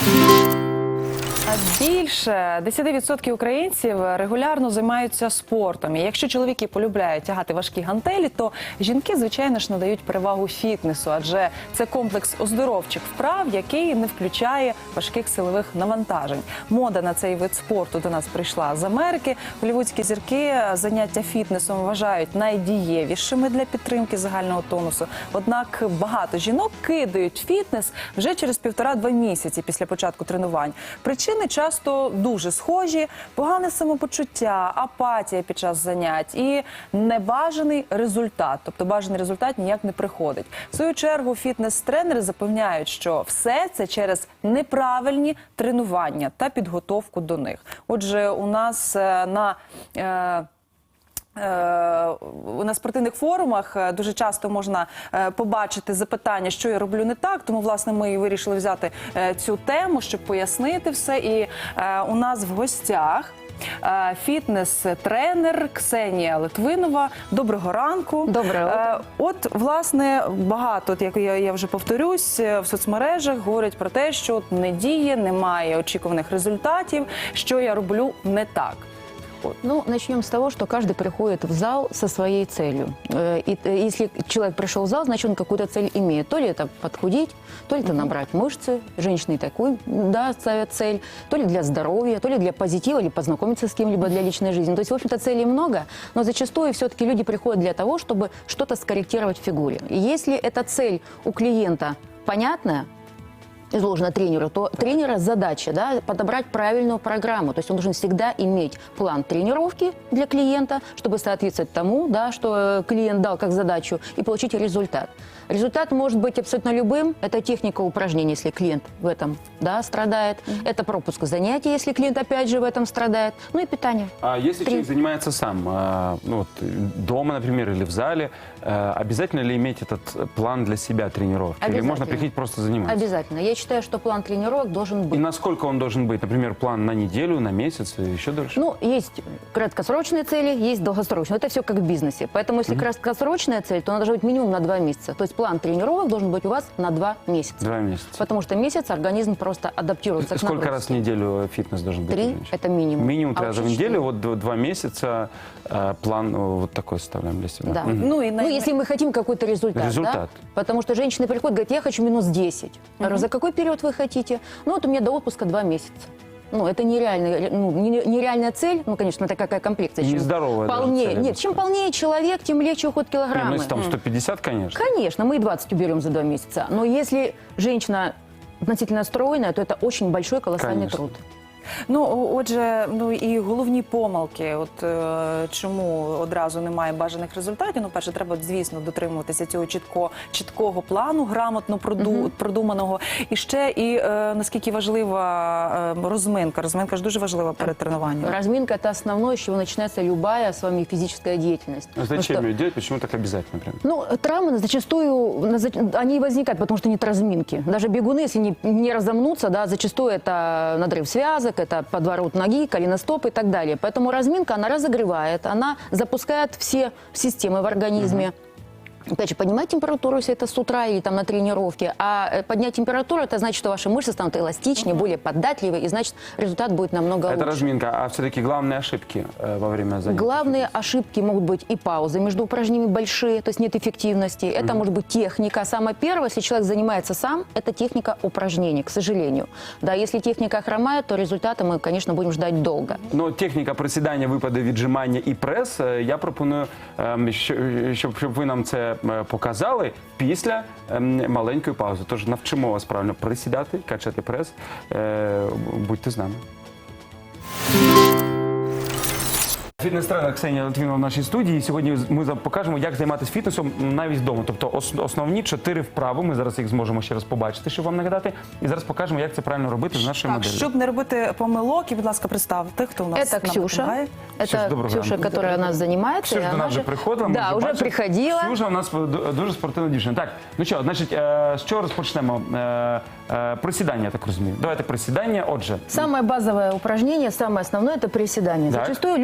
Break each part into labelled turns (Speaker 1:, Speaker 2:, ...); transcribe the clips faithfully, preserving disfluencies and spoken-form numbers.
Speaker 1: Більше десять відсотків українців регулярно займаються спортом. І якщо чоловіки полюбляють тягати важкі гантелі, то жінки, звичайно ж, надають перевагу фітнесу, адже це комплекс оздоровчих вправ, який не включає важких силових навантажень. Мода на цей вид спорту до нас прийшла з Америки. Голлівудські зірки заняття фітнесом вважають найдієвішими для підтримки загального тонусу. Однак багато жінок кидають фітнес вже через півтора-два місяці після початку тренувань. Причини часто дуже схожі: погане самопочуття, апатія під час занять і небажаний результат. Тобто бажаний результат ніяк не приходить. В свою чергу фітнес-тренери запевняють, що все це через неправильні тренування та підготовку до них. Отже, у нас на... Е на спортивних форумах дуже часто можна побачити запитання, що я роблю не так, тому, власне, ми і вирішили взяти цю тему, щоб пояснити все. І у нас в гостях фітнес-тренер Ксенія Литвинова. Доброго ранку.
Speaker 2: Доброго утра.
Speaker 1: От, власне, багато, як я, я вже повторюсь, в соцмережах говорять про те, що не діє, немає очікуваних результатів, що я роблю не так.
Speaker 2: Ну, начнем с того, что каждый приходит в зал со своей целью. И если человек пришел в зал, значит, он какую-то цель имеет. То ли это подхудеть, то ли это набрать мышцы. Женщины такой, да, ставят цель. То ли для здоровья, то ли для позитива, или познакомиться с кем-либо для личной жизни. То есть, в общем-то, целей много, но зачастую все-таки люди приходят для того, чтобы что-то скорректировать в фигуре. И если эта цель у клиента понятная, изложено тренеру, то тренера задача, да, подобрать правильную программу. То есть он должен всегда иметь план тренировки для клиента, чтобы соответствовать тому, да, что клиент дал как задачу, и получить результат. Результат может быть абсолютно любым. Это техника упражнений, если клиент в этом, да, страдает. Mm-hmm. Это пропуск занятий, если клиент опять же в этом страдает. Ну и питание.
Speaker 3: А если
Speaker 2: Три...
Speaker 3: человек занимается сам, ну, вот, дома, например, или в зале, обязательно ли иметь этот план для себя тренировки? Или можно приходить просто заниматься?
Speaker 2: Обязательно. Я считаю, что план тренировок должен быть.
Speaker 3: И насколько он должен быть? Например, план на неделю, на месяц, еще дольше?
Speaker 2: Ну, есть краткосрочные цели, есть долгосрочные. Это все как в бизнесе. Поэтому, если mm-hmm. краткосрочная цель, то она должна быть минимум на два месяца. То есть план тренировок должен быть у вас на два месяца.
Speaker 3: Два месяца.
Speaker 2: Потому что месяц организм просто адаптируется к нагрузке.
Speaker 3: Сколько раз в неделю фитнес должен быть?
Speaker 2: Три – это минимум.
Speaker 3: Минимум три
Speaker 2: а
Speaker 3: раза в неделю, вот два месяца э, план вот такой составляем для себя.
Speaker 2: Да.
Speaker 3: Угу.
Speaker 2: Ну, и, ну, если мы хотим какой-то результат.
Speaker 3: Результат.
Speaker 2: Да? Потому что женщины приходят, говорят, я хочу минус десять. Я говорю, за какой период вы хотите? Ну, вот у меня до отпуска два месяца. Ну, это нереальная, ну, нереальная цель. Ну, конечно, это какая комплекция.
Speaker 3: Нездоровая
Speaker 2: полнее.
Speaker 3: цель,
Speaker 2: Нет, чем полнее человек, тем легче уход килограммы.
Speaker 3: Не, ну, если там сто пятьдесят, конечно.
Speaker 2: Конечно, мы и двадцать уберем за два месяца. Но если женщина относительно стройная, то это очень большой колоссальный
Speaker 3: конечно.
Speaker 2: труд.
Speaker 1: Ну, отже, ну і головні помилки, от е, чому одразу немає бажаних результатів. Ну, перше, треба, звісно, дотримуватися цього чітко, чіткого плану, грамотно проду, uh-huh. продуманого. І ще, і е, наскільки важлива е, розминка. Розминка ж дуже важлива перед тренуванням.
Speaker 2: Разминка – это основное, с чего начинается любая с вами физическая деятельность.
Speaker 3: А зачем
Speaker 2: что,
Speaker 3: ее делать? Почему так обязательно? Прям?
Speaker 2: Ну, травмы зачастую, они возникают, потому что нет разминки. Даже бегуны, если не, не разомнутся, да, зачастую это надрыв связок, это подворот ноги, голеностоп и так далее. Поэтому разминка, она разогревает, она запускает все системы в организме. Uh-huh. Опять же, поднимать температуру, если это с утра или там на тренировке, а поднять температуру, это значит, что ваши мышцы станут эластичнее, uh-huh. более податливые, и значит, результат будет намного лучше.
Speaker 3: Это разминка, а все-таки главные ошибки э, во время занятий?
Speaker 2: Главные ошибки могут быть и паузы между упражнениями большие, то есть нет эффективности. Это uh-huh. может быть техника. Самое первое, если человек занимается сам, это техника упражнений, к сожалению. Да, если техника хромает, то результаты мы, конечно, будем ждать долго.
Speaker 3: Но техніка присідання, випади, віджимання і прес, я пропоную, щоб, щоб ви нам це показали після маленької паузи. Тож навчимо вас правильно присідати, качати прес. Будьте з нами. Фітнес-тренер Ксенія Литвинова в нашій студії. Сьогодні ми покажемо, як займатися фітнесом навіть вдома. Тобто основні чотири вправи, ми зараз їх зможемо ще раз побачити, щоб вам нагадати. І зараз покажемо, як це правильно робити з нашою моделлю.
Speaker 1: Щоб не робити помилок, і, будь ласка, представте, хто у нас.
Speaker 2: Это Ксюша. Это Ксюша, которая у нас занимается.
Speaker 3: Ксюша до нас вже приходила.
Speaker 2: Да, вже приходила.
Speaker 3: Ксюша у нас дуже спортивна дівчина. Так, ну що, значить, з чого розпочнемо? Присідання, я так розумію. Давайте присідання, отже.
Speaker 2: Самое базовое упражнение, самое основное – это приседание. Зачастую люди думают,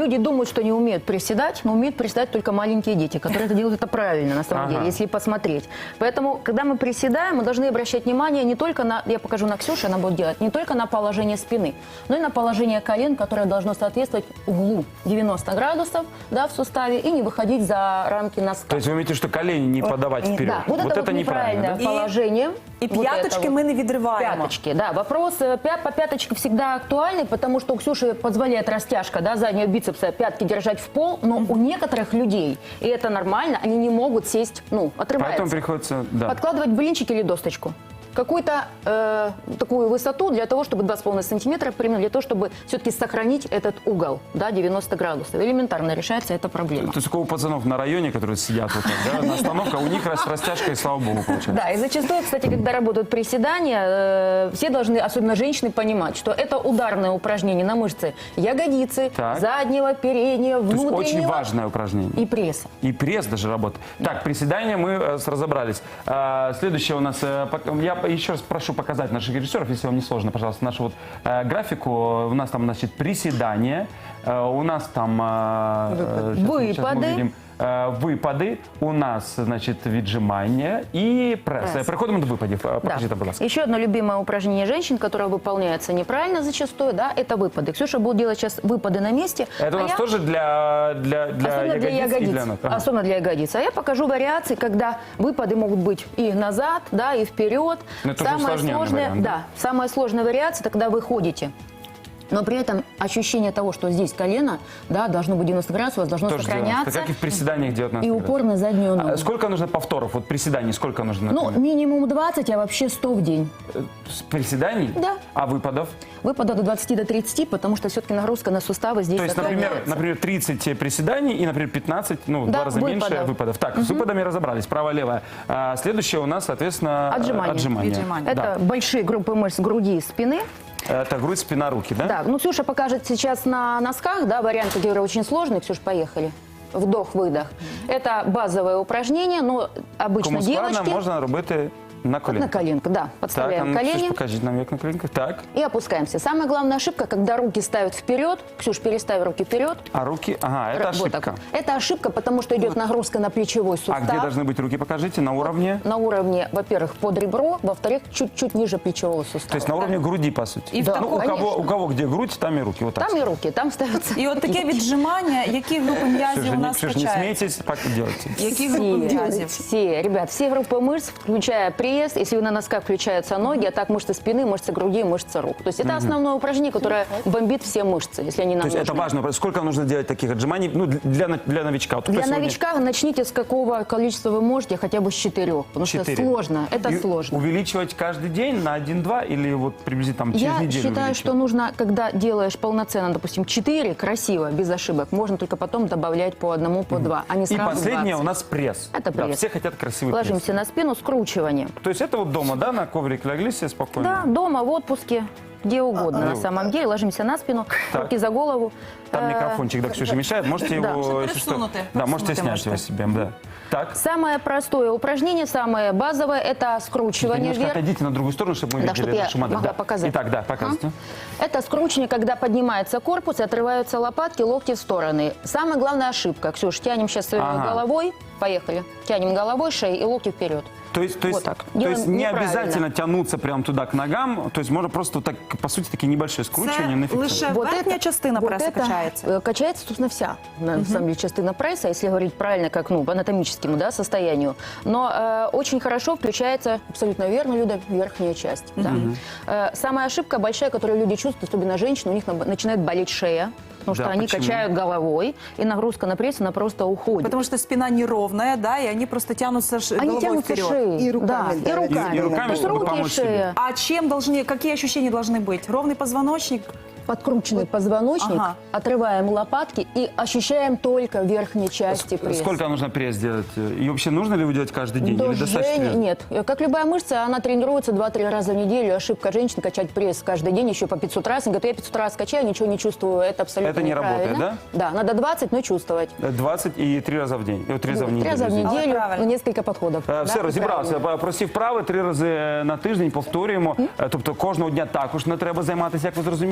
Speaker 2: что не умеют приседать, но умеют приседать только маленькие дети, которые это делают это правильно, на самом
Speaker 3: Ага.
Speaker 2: деле, если посмотреть. Поэтому, когда мы приседаем, мы должны обращать внимание не только на, я покажу на Ксюше, она будет делать, не только на положение спины, но и на положение колен, которое должно соответствовать углу девяносто градусов, да, в суставе, и не выходить за рамки носка.
Speaker 3: То есть вы имеете, что колени не подавать
Speaker 1: и-
Speaker 3: вперед?
Speaker 2: Да, вот, это, вот
Speaker 3: неправильно,
Speaker 2: неправильное
Speaker 3: да?
Speaker 2: положение.
Speaker 1: І
Speaker 2: Вот это
Speaker 1: п'яточки
Speaker 2: вот.
Speaker 1: ми не відриваємо.
Speaker 2: Пяточки, да. Вопрос э, пя- по пяточке всегда актуальный, потому что у Ксюши позволяет растяжка, да, заднего бицепса, пятки держать в пол, но у некоторых людей, и это нормально, они не могут сесть, ну, отрываются.
Speaker 3: Поэтому приходится, да.
Speaker 2: Подкладывать блинчик или досточку. Какую-то э, такую высоту для того, чтобы два с половиной сантиметра, примерно для того, чтобы все-таки сохранить этот угол, да, девяносто градусов. Элементарно решается эта проблема.
Speaker 3: То есть у пацанов на районе, которые сидят вот так, да, на остановках, у них рас- растяжка, и слава богу, получается.
Speaker 2: Да, и зачастую, кстати, когда работают приседания, э, все должны, особенно женщины, понимать, что это ударное упражнение на мышцы ягодицы,
Speaker 3: Так.
Speaker 2: заднего, переднего,
Speaker 3: То есть
Speaker 2: внутреннего
Speaker 3: очень важное упражнение.
Speaker 2: и пресса.
Speaker 3: И пресс даже работает. Так, приседания мы э, с- разобрались. А, следующее у нас, э, пок- я еще раз прошу показать наших режиссеров, если вам не сложно, пожалуйста, нашу вот э, графику. У нас там, значит, приседания, э, у нас там э, э, щас мы- щас мы
Speaker 2: Выпады.
Speaker 3: увидим, э, выпады, у нас, значит, віджимання и пресс.
Speaker 2: Пресс.
Speaker 3: Переходимо до випадів. Е,
Speaker 2: Да.
Speaker 3: Покажіть, будь ласка.
Speaker 2: Еще одно любимое упражнение женщин, которое выполняется неправильно зачастую, да, это выпады. Ксюша будет делать сейчас выпады на месте.
Speaker 3: Это у
Speaker 2: а
Speaker 3: нас
Speaker 2: я-
Speaker 3: тоже для, для, для
Speaker 2: Особенно для
Speaker 3: ягодиц и
Speaker 2: ягодиц.
Speaker 3: для ног? Ага.
Speaker 2: Особенно для ягодиц. А я покажу вариации, когда выпады могут быть и назад, да, и вперед.
Speaker 3: Но это уже усложненный
Speaker 2: сложная,
Speaker 3: вариант, да?
Speaker 2: да, самая сложная вариация, это когда вы ходите. Но при этом ощущение того, что здесь колено, да, должно быть девяносто градусов, у вас должно
Speaker 3: Тоже
Speaker 2: сохраняться.
Speaker 3: делаем. Как и в приседаниях девятнадцать
Speaker 2: И
Speaker 3: градусов.
Speaker 2: упор на заднюю ногу.
Speaker 3: А сколько нужно повторов? Вот приседаний сколько нужно?
Speaker 2: Ну,
Speaker 3: например?
Speaker 2: минимум двадцать, а вообще сто в день.
Speaker 3: С приседаний?
Speaker 2: Да.
Speaker 3: А выпадов?
Speaker 2: Выпадов до двадцати до тридцати, потому что все-таки нагрузка на суставы здесь
Speaker 3: То есть, например,
Speaker 2: сохраняется.
Speaker 3: например, тридцать приседаний и, например, пятнадцать, ну, в
Speaker 2: Да,
Speaker 3: два раза меньше
Speaker 2: выпадов.
Speaker 3: выпадов. Так, с выпадами разобрались, право-левое. А следующее у нас, соответственно,
Speaker 2: Отжимания.
Speaker 3: отжимания.
Speaker 1: Віджимання.
Speaker 2: Это
Speaker 3: Да.
Speaker 2: большие группы мышц груди и спины.
Speaker 3: Это грудь, спина, руки, да?
Speaker 2: Да, ну Ксюша покажет сейчас на носках, да, вариант, который очень сложный. Ксюш, поехали. Вдох-выдох. Это базовое упражнение, но обычно
Speaker 3: Кому складно,
Speaker 2: девочки
Speaker 3: можна робити на
Speaker 2: на
Speaker 3: коленках.
Speaker 2: коленку, да,
Speaker 3: Так, а
Speaker 2: подставляем
Speaker 3: ну, Ксюш,
Speaker 2: колени
Speaker 3: покажите нам, як на коленках. Так,
Speaker 2: и опускаемся. Самая главная ошибка, когда руки ставят вперед. Ксюш, переставь руки вперед.
Speaker 3: а руки, ага, это
Speaker 2: Вот
Speaker 3: ошибка.
Speaker 2: так. Это ошибка, потому что идет нагрузка на плечевой
Speaker 3: А
Speaker 2: сустав.
Speaker 3: где должны быть руки, покажите, на уровне?
Speaker 2: На уровне, во-первых, под ребро, во-вторых, чуть-чуть ниже плечевого сустава.
Speaker 3: То есть на уровне груди, по сути.
Speaker 1: И в
Speaker 3: ну,
Speaker 1: таком-
Speaker 3: у, кого,
Speaker 2: Конечно.
Speaker 3: у кого где грудь, там и руки. Вот так.
Speaker 2: Там и руки, там ставятся.
Speaker 1: І от таке
Speaker 2: кисти.
Speaker 1: віджимання, які групи м'язів
Speaker 3: Ксюша,
Speaker 1: у
Speaker 3: не,
Speaker 1: нас
Speaker 3: Ксюша, не
Speaker 1: качаються?
Speaker 3: смейтесь, так и делайте.
Speaker 1: Які групи м'язів?
Speaker 2: Все, ребят, все группы мышц, включая пресс, если вы на носках включаются ноги, а так мышцы спины, мышцы груди, мышцы рук. То есть это основное упражнение, которое бомбит все мышцы, если они нам
Speaker 3: То есть это
Speaker 2: нужны.
Speaker 3: важно. Сколько нужно делать таких отжиманий ну, для, для, для новичка? Вот кто
Speaker 2: Для
Speaker 3: сегодня-
Speaker 2: новичка начните с какого количества вы можете, хотя бы с четырех, потому что
Speaker 3: Четыре.
Speaker 2: сложно, это
Speaker 3: И
Speaker 2: сложно.
Speaker 3: увеличивать каждый день на один-два или вот приблизительно там, через
Speaker 2: Я
Speaker 3: неделю
Speaker 2: считаю,
Speaker 3: увеличивать?
Speaker 2: что нужно, когда делаешь полноценно, допустим, четыре, красиво, без ошибок, можно только потом добавлять по одному, по два, а не
Speaker 3: И
Speaker 2: сразу
Speaker 3: последнее
Speaker 2: двадцать.
Speaker 3: у нас пресс.
Speaker 2: Это
Speaker 3: Да,
Speaker 2: пресс.
Speaker 3: все хотят красивый
Speaker 2: Ложимся
Speaker 3: пресс.
Speaker 2: на спину, скручивание.
Speaker 3: То есть это вот дома, да, на коврик легли себе спокойно?
Speaker 2: Да, дома, в отпуске, где угодно на
Speaker 3: ну.
Speaker 2: самом деле. Ложимся на спину,
Speaker 3: Так.
Speaker 2: руки за голову.
Speaker 3: Там
Speaker 2: Э,
Speaker 3: микрофончик, да, Ксюша, мешает. Можете
Speaker 2: Да.
Speaker 3: его,
Speaker 1: Что-то
Speaker 3: если что,
Speaker 1: присунутый.
Speaker 3: да, можете
Speaker 1: Присунутый
Speaker 3: снять его
Speaker 1: можете.
Speaker 3: себе, да. Так,
Speaker 2: Самое простое упражнение, самое базовое, это скручивание
Speaker 3: немножко
Speaker 2: вверх.
Speaker 3: отойдите на другую сторону, чтобы мы
Speaker 2: Да,
Speaker 3: видели
Speaker 2: чтобы я
Speaker 3: нашу модель.
Speaker 2: могла
Speaker 3: Да.
Speaker 2: показать.
Speaker 3: Итак, да, показывайте.
Speaker 2: Это скручивание, когда поднимается корпус и отрываются лопатки, локти в стороны. Самая главная ошибка. Ксюш, тянем сейчас
Speaker 3: Ага.
Speaker 2: головой. Поехали. Тянем головой, шеей и локти вперед.
Speaker 3: То есть, то есть,
Speaker 2: Вот так.
Speaker 3: то
Speaker 2: Делаем
Speaker 3: есть не
Speaker 2: неправильно.
Speaker 3: обязательно тянуться прямо туда к ногам, то есть можно просто вот так, по сути, такие небольшие скручивания на
Speaker 1: Це лише
Speaker 3: фиксацию.
Speaker 1: верхня частина
Speaker 2: вот
Speaker 1: преса
Speaker 2: это,
Speaker 1: качається.
Speaker 2: э, Качается, собственно, вся, на самом деле, частина пресса, если говорить правильно, как, ну, по анатомическому, да, состоянию. Но э, очень хорошо включается, абсолютно верно, Люда, верхняя часть. Да. Э, самая ошибка большая, которую люди чувствуют, особенно женщины, у них на- начинает болеть шея, потому
Speaker 3: Да,
Speaker 2: что они
Speaker 3: почему?
Speaker 2: качают головой, и нагрузка на пресс, она просто уходит.
Speaker 1: Потому что спина неровная, да, и они просто тянутся ш-
Speaker 2: Они
Speaker 1: головой
Speaker 2: тянутся
Speaker 1: вперед.
Speaker 2: шеей.
Speaker 4: И руками,
Speaker 2: да,
Speaker 4: да,
Speaker 2: и руками.
Speaker 3: И- и руками,
Speaker 2: То есть
Speaker 3: чтобы
Speaker 2: руки и
Speaker 3: помочь себе.
Speaker 2: шея.
Speaker 1: А чем должны, какие ощущения должны быть? Ровный позвоночник?
Speaker 2: Подкрученный позвоночник,
Speaker 1: Ага.
Speaker 2: отрываем лопатки и ощущаем только верхней части пресса.
Speaker 3: Сколько нужно пресс делать? И вообще нужно ли его делать каждый день?
Speaker 2: До
Speaker 3: Или достаточно?
Speaker 2: жжения- Нет. Как любая мышца, она тренируется два-три раза в неделю. Ошибка женщин качать пресс каждый день еще по пятьсот раз. Они говорят, я пятьсот раз качаю, ничего не чувствую. Это абсолютно
Speaker 3: Это не
Speaker 2: неправильно.
Speaker 3: работает,
Speaker 2: Да, надо двадцать, но чувствовать.
Speaker 3: двадцать и три раза в день. Э, Три раза в
Speaker 2: Три
Speaker 3: неделю.
Speaker 2: раза в
Speaker 3: извините.
Speaker 2: неделю,
Speaker 1: Але правильно.
Speaker 2: ну, несколько подходов.
Speaker 3: Е, Все,
Speaker 2: Да,
Speaker 3: розібралися.
Speaker 2: правильно.
Speaker 3: Прості вправи три рази на тиждень повторюємо. Е, Тобто кожного дня також не треба займатися, як ви зрозуміли, тому що це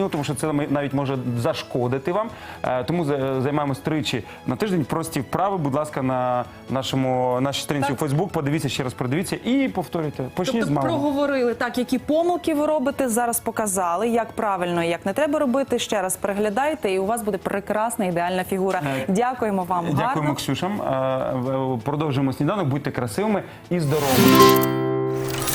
Speaker 3: це навіть може зашкодити вам. Е, Тому за- займаємось тричі на тиждень. Прості вправи, будь ласка, на нашому нашій сторінці у Фейсбук. Подивіться ще раз, продивіться і повторюйте. Почніть з
Speaker 1: Тобто
Speaker 3: малого.
Speaker 1: проговорили так, які помилки ви робите, зараз показали, як правильно і як не треба робити. Ще раз переглядайте, і у вас буде прекрасна ідеальна фігура.
Speaker 3: Е,
Speaker 1: Дякуємо вам.
Speaker 3: Дякуємо,
Speaker 1: Гарно.
Speaker 3: Ксюшам. Е, Продовжуємо сніданок. Будьте красивими і здоровими.